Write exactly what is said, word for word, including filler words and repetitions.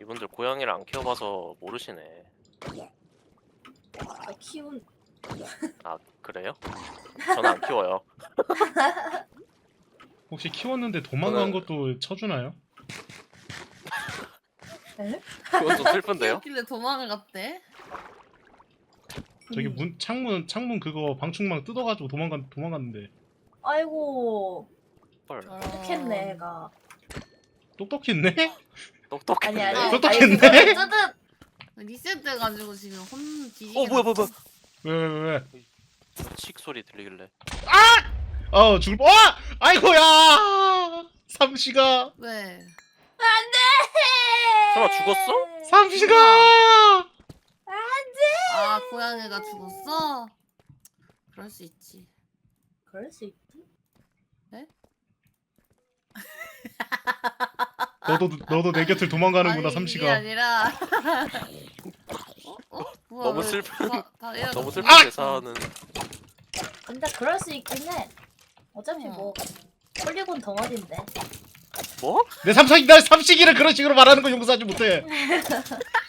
이분들 고양이를 안 키워봐서 모르시네. 아, 키운. 아 그래요? 저는 안 키워요. 혹시 키웠는데 도망간 저는- 것도 쳐주나요? 에? 그건 좀 슬픈데요? 키웠길래 도망을 갔대. 저기 음. 문 창문 창문 그거 방충망 뜯어가지고 도망간 도망갔는데 아이고 헐 똑똑했네 애가. 똑똑했네? 똑똑했네. 아니 아니. 똑똑했네? 아니, 뜨뜻. 리셋돼가지고 지금 혼 뒤지게. 어 뭐야 뭐야 뭐야. 왜 왜 왜? 칙 소리 들리길래. 어 죽을 뻔. 와! 아이고야! 삼시가 왜? 안돼. 설마 죽었어? 삼시가 아 고양이가 죽었어? 그럴 수 있지. 그럴 수 있지. 너도 너도 내 곁을 도망가는구나 아니, 삼시가. 이게 아니라. 어? 어? 뭐야, 너무 왜 슬픈- 다- 다 얘가 너무 다- 슬픈 아! 대사는. 근데 그럴 수 있긴 해. 어차피 어. 뭐 폴리곤 덩어리인데. 뭐? 내 삼식이 나 삼식이를 그런 식으로 말하는 거 용서하지 못해.